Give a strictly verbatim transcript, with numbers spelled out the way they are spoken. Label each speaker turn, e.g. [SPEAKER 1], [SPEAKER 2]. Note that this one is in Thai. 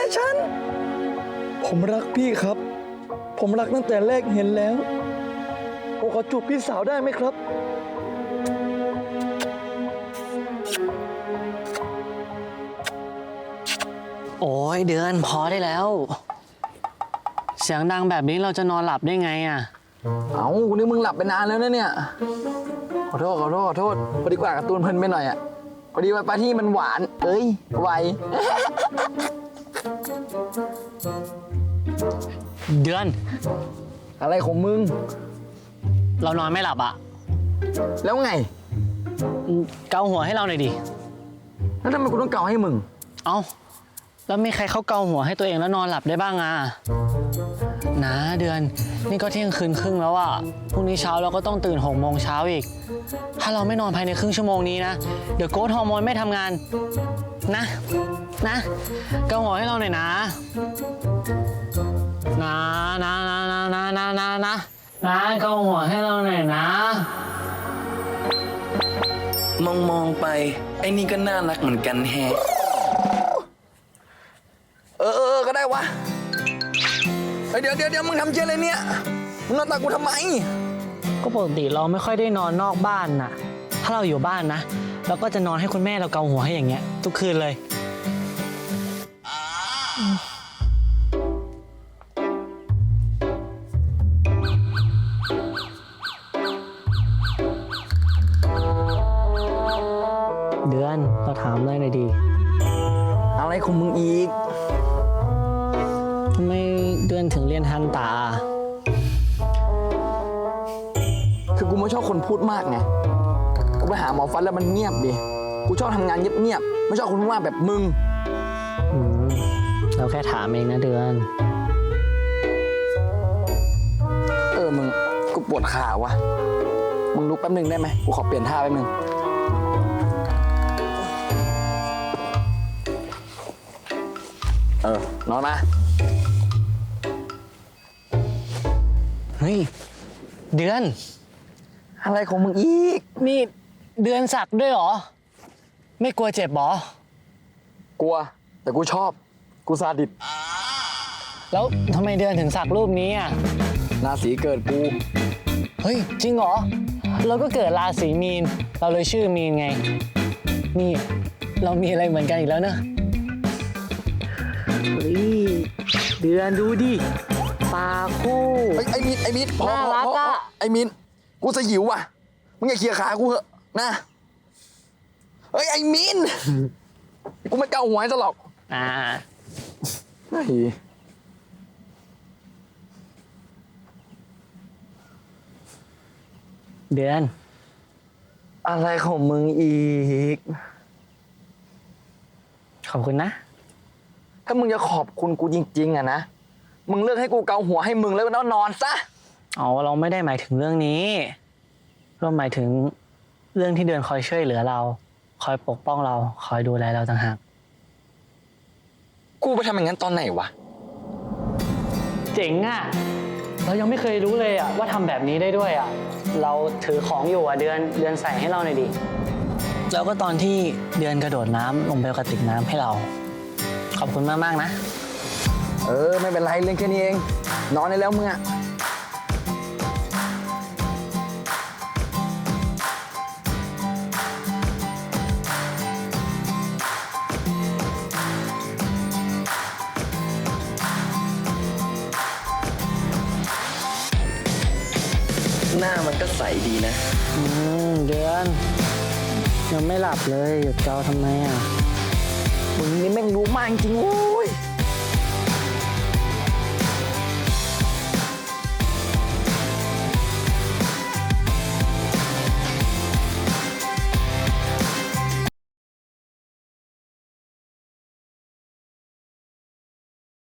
[SPEAKER 1] นะฉันผมรักพี่ครับผมรักตั้งแต่แรกเห็นแล้วผมขอจูบพี่สาวได้ไหมครับ
[SPEAKER 2] โอ้ยเดือนพอได้แล้วเสียงดังแบบนี้เราจะนอนหลับได้ไงอ่ะ
[SPEAKER 1] เอาคุณนี่มึงหลับไปนานแล้วนะเนี่ยขอโทษขอโทษขอโทษพอดีกว่าการ์ตูนเพลินไปหน่อยอ่ะพอดีว่าปลาที่มันหวานเอ้ยไว
[SPEAKER 2] เดือน
[SPEAKER 1] อะไรของมึง
[SPEAKER 2] เรานอนไม่หลับอ่ะ
[SPEAKER 1] แล้วไง
[SPEAKER 2] เกาหัวให้เราหน่อยดิ
[SPEAKER 1] แล้วทำไมกูต้องเกาให้มึง
[SPEAKER 2] เอ้าแล้วมีใครเขาเกาหัวให้ตัวเองแล้วนอนหลับได้บ้างอ่ะนะเดือนนี่ก็เที่ยงคืนครึ่งแล้วอ่ะพรุ่งนี้เช้าเราก็ต้องตื่นหกโมงเช้าอีกถ้าเราไม่นอนภายในครึ่งชั่วโมงนี้นะเดี๋ยวโกรทฮอร์โมนไม่ทำงานนะนะเกาหัวให้เราหน่อยนะนะนะนะนะนะนะนะนะนะเกาหัวให้เราหน่อยนะ
[SPEAKER 3] มองมองไปไอ้นี่ก็น่ารักเหมือนกันแฮะ
[SPEAKER 1] เออเออก็ได้วะเดี๋ยวเดี๋ยวเดี๋ยวมึงทำเชี่ยอะไรเนี่ยมึงนอนตากูทำไม
[SPEAKER 2] ก็ปกติเราไม่ค่อยได้นอนนอกบ้านน่ะถ้าเราอยู่บ้านนะเราก็จะนอนให้คุณแม่เราเกาหัวให้อย่างเงี้ยทุกคืนเลยเดือนเราถามเลยหน่อยดี
[SPEAKER 1] อะไรของมึงอีก
[SPEAKER 2] ทำไมเดือนถึงเรียนทันตา
[SPEAKER 1] คือกูไม่ชอบคนพูดมากไงกูไปหาหมอฟันแล้วมันเงียบดิกูชอบทำงานเงียบๆไม่ชอบคนพูดมากแบบมึง
[SPEAKER 2] อืมเราแค่ถามเองนะเดือน
[SPEAKER 1] เออมึงกูปวดขาวะมึงลุกแป๊บนึงได้ไหมกูขอเปลี่ยนท่าแป๊บนึงเออนอนมา
[SPEAKER 2] เฮ้ยเดือน
[SPEAKER 1] อะไรของมึงอีก
[SPEAKER 2] นี่เดือนสักด้วยเหรอ ไม่กลัวเจ็บหรอ
[SPEAKER 1] กลัวแต่กูชอบกูซาดิส
[SPEAKER 2] แล้วทำไมเดือนถึงสักรูปนี้อ่ะ
[SPEAKER 1] ราศีเกิดกู
[SPEAKER 2] เฮ้ยจริงเหรอ เราก็เกิดราศีมีน เราเลยชื่อมีนไง นี่เรามีอะไรเหมือนกันอีกแล้วเนอะเฮ้ยเดือนดูดิปาคู่
[SPEAKER 1] ไอ้ไอ้มินไอ้มินพอ
[SPEAKER 2] น่า
[SPEAKER 1] พอ
[SPEAKER 2] รัก
[SPEAKER 1] พอ
[SPEAKER 2] อะ
[SPEAKER 1] ไอ้มินกูจะหิวว่ะมึงอย่าเคลียร์ขากูเหอะนะเฮ้ยไอ้มินกูไม่เกาหัวให้ซะหรอก
[SPEAKER 2] อ่า
[SPEAKER 1] เฮ้ย
[SPEAKER 2] เดือน
[SPEAKER 1] อะไรของมึงอีก
[SPEAKER 2] ขอบคุณนะ
[SPEAKER 1] ถ้ามึงจะขอบคุณกูจริงๆอะนะมึงเลิกให้กูเกาหัวให้มึงแล้วนอนซะ
[SPEAKER 2] อ๋อเราไม่ได้หมายถึงเรื่องนี้ เราหมายถึงเรื่องที่เดือนคอยช่วยเหลือเรา คอยปกป้องเรา คอยดูแลเราต่างหาก
[SPEAKER 1] กูไปทำอย่างนั้นตอนไหนวะ
[SPEAKER 2] เจ๋งอ่ะ เรายังไม่เคยรู้เลยอ่ะว่าทำแบบนี้ได้ด้วยอ่ะ เราถือของอยู่อ่ะเดือนเดือนใส่ให้เราหน่อยดิ แล้วก็ตอนที่เดือนกระโดดน้ำลงไปกระติกน้ำให้เรา ขอบคุณมากมากๆนะ
[SPEAKER 1] เออไม่เป็นไรเรื่องแค่นี้เองนอนได้แล้วมึงอะ
[SPEAKER 3] หน้ามันก็ใสดีนะ
[SPEAKER 2] อืมเดือนยังไม่หลับเลยหยุดเกาทำไมอ่ะ
[SPEAKER 1] มึงนี่แม่งรู้มากจริงๆโว้